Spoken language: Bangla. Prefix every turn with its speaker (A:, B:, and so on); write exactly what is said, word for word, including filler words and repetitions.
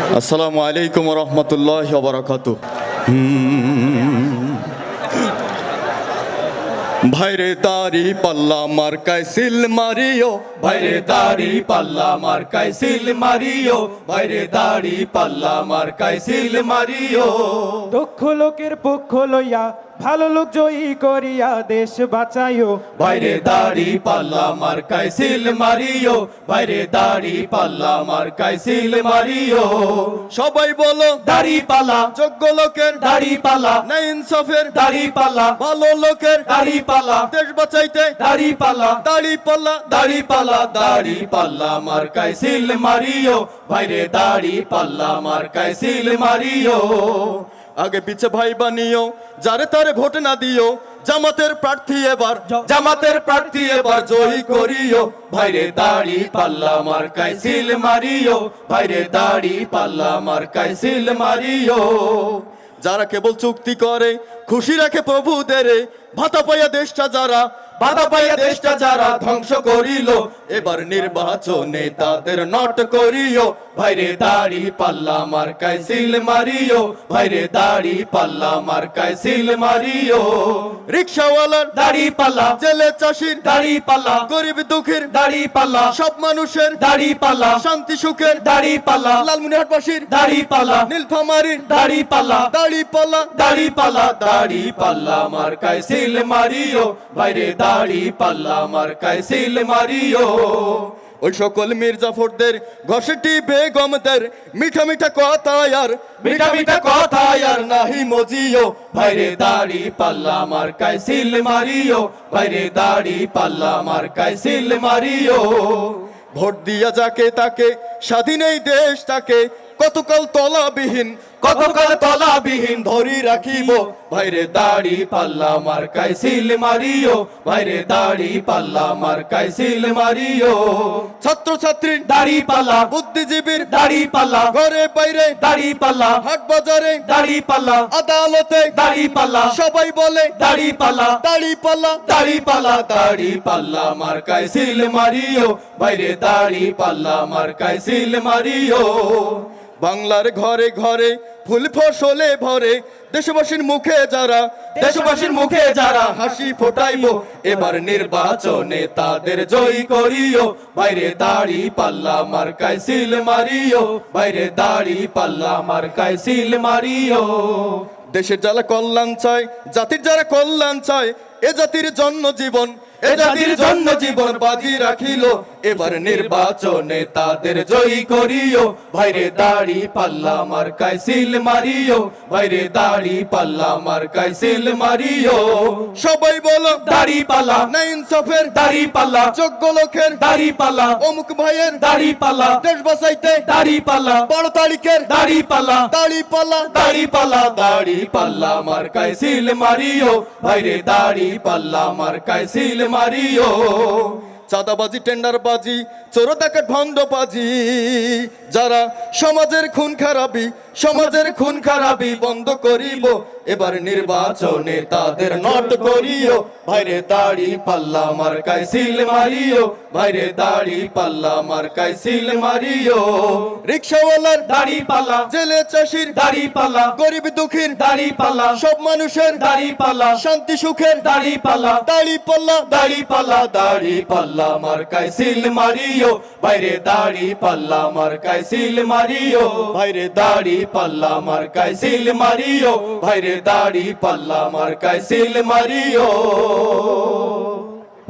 A: আসসালামু আলাইকুম ওয়া রাহমাতুল্লাহি ওয়া বারাকাতুহু। ভাইরে দাড়ি পাল্লা মার্কায় সিল মারিও,
B: ভাইরে দাড়ি পাল্লা মার্কায় সিল মারিও, ভাইরে দাড়ি পাল্লা মার্কায় সিল মারিও।
C: দক্ষ লোকের পক্ষ লইয়া ভালো লোক জয়ী করিয়া দেশ বাঁচাইও,
B: ভাইরে দাড়ি পাল্লা মার্কায় সিল মারিও, ভাইরে দাড়ি পাল্লা মার্কায় সিল মারিও।
A: সবাই বলো
B: দাড়ি পাল্লা,
A: যোগ্য লোকের
B: দাড়ি পাল্লা,
A: না ইনসাফের
B: দাড়ি পাল্লা,
A: ভালো লোকের
B: দাড়ি পাল্লা,
A: দেশ বাঁচাইতে
B: দাড়ি পাল্লা,
A: দাড়ি পাল্লা
B: দাড়ি পাল্লা, দাড়ি পাল্লা মার্কায় সিল মারিও, ভাইরে দাড়ি পাল্লা মার্কায় সিল মারিও।
A: আগে পিছে ভাই বানিও, যারে তারে ভোট না দিও, জামাতের প্রার্থী এবার
B: জামাতের প্রার্থী এবার জয়ী করিও, ভাইরে দাড়ি পাল্লা মার্কায় সিল মারিও, ভাইরে দাড়ি পাল্লা মার্কায় সিল মারিও।
A: যারা কেবল চুক্তি করে খুশি রাখে প্রভুদের, ভাতা পাইয়া দেশটা যারা
B: বাধা পাইয়া দেশটা যারা ধ্বংস করিল,
A: এবার নির্বাচনে
B: তাদের নট করিও, ভাইরে দাড়ি পাল্লা মার্কায় সিল মারিও, ভাইরে দাড়ি পাল্লা মার্কায় সিল মারিও।
A: রিক্সাওয়ালার
B: দাড়ি পাল্লা,
A: জেলে চাষির
B: দাড়ি পাল্লা,
A: গরিব দুঃখীর
B: দাড়ি পাল্লা,
A: সব মানুষের
B: দাড়ি পাল্লা,
A: শান্তি সুখের
B: দাড়ি পাল্লা,
A: লালমনিরহাটবাসীর
B: দাড়ি পাল্লা,
A: নীলফামারীর
B: দাড়ি পাল্লা,
A: দাড়ি পাল্লা
B: দাড়ি পাল্লা, দাড়ি পাল্লা মার্কায় সিল মারিও, ভাইরে দাড়ি পাল্লা মার্কায় সিল মারিও।
A: ওই সকল মির্জাফরদের ঘষেটি বেগমদের মিঠা মিঠা কথা আর
B: মিঠা মিঠা কথা আর নাহি মজিও, ভাইরে দাড়ি পাল্লা মার্কায় সিল মারিও, ভাইরে দাড়ি পাল্লা মার্কায় সিল মারিও।
A: ভোট দিয়া যাকে তাকে স্বাধীন এই দেশটাকে কতকাল তলাবিহীন
B: কতকাল তলাবিহীন
A: ধরি রাখিব,
B: ভাইরে দাড়ি পাল্লা মার্কায় সিল মারিও, ভাইরে দাড়ি পাল্লা মার্কায় সিল মারিও।
A: ছাত্র ছাত্রী
B: দাড়ি পাল্লা,
A: বুদ্ধিজীবীর
B: দাড়ি পাল্লা,
A: ঘরে বাইরে
B: দাড়ি পাল্লা,
A: হাট বাজারে
B: দাড়ি পাল্লা,
A: আদালতে
B: দাড়ি পাল্লা,
A: সবাই বলে
B: দাড়ি পাল্লা,
A: দাড়ি পাল্লা
B: দাড়ি পাল্লা, দাড়ি পাল্লা মার্কায় সিল মারিও, ভাইরে দাড়ি পাল্লা মার্কায় সিল মারিও।
A: বাংলার ঘরে ঘরে ফুল ফসলে ভরে দেশবাসীর মুখে যারা
B: দেশবাসীর মুখে যারা
A: হাসি ফোটাইবো,
B: এবার নির্বাচনে তাদের জয়ী করিও, ভাইরে দাড়ি পাল্লা মার্কায় সিল মারিও, ভাইরে দাড়ি পাল্লা মার্কায় সিল মারিও।
A: দেশের যারা কল্যাণ চায়, জাতির যারা কল্যাণ চায়, এ জাতির জন্য জীবন
B: এ জাতির জন্য জীবন বাজি রাখিল, এবার নির্বাচনে তাদের জয়ী করিও, ভাইরে দাড়ি পাল্লা মার্কায় সিল মারিও, ভাইরে দাড়ি পাল্লা মার্কায় সিল মারিও।
A: সবাই বলো
B: দাড়ি পাল্লা,
A: না ইনসাফের
B: দাড়ি পাল্লা,
A: যোগ্য লোকের
B: দাড়ি পাল্লা,
A: অমুক ভাইয়ের
B: দাড়ি পাল্লা,
A: দেশ বাঁচাইতে
B: দাড়ি পাল্লা,
A: বড় তারিখের
B: দাড়ি পাল্লা,
A: দাড়ি পাল্লা
B: দাড়ি পাল্লা, দাড়ি পাল্লা মার্কায় সিল মারিও, ভাইরে দাড়ি পাল্লা মার্কায় সিল মারিও।
A: চাঁদাবাজি টেন্ডারবাজি চোর ডাকাত ভণ্ডবাজি যারা সমাজের খুন খারাপি সমাজের খুন খারাপি বন্ধ করিব, এবার নির্বাচনে তাদের নট করিও,
B: ভাইরে দাড়ি পাল্লা মার্কায় সিল মারিও, ভাইরে দাড়ি পাল্লা মার্কায় সিল মারিও।
A: রিক্সাওয়ালার
B: দাড়ি পাল্লা,
A: জেলে চাষির
B: দাড়ি পাল্লা,
A: গরিব দুঃখীর
B: দাড়ি পাল্লা,
A: সব মানুষের
B: দাড়ি পাল্লা,
A: শান্তি সুখের
B: দাড়ি পাল্লা,
A: দাড়ি পাল্লা
B: দাড়ি পাল্লা, দাড়ি পাল্লা মার্কায় সিল মারিও, ভাইরে দাড়ি পাল্লা মার্কায় সিল মারিও, ভাইরে দাড়ি পাল্লা মার্কায় সিল মারিও, ভাইরে দাড়ি পাল্লা মার্কায় সিল মারিও।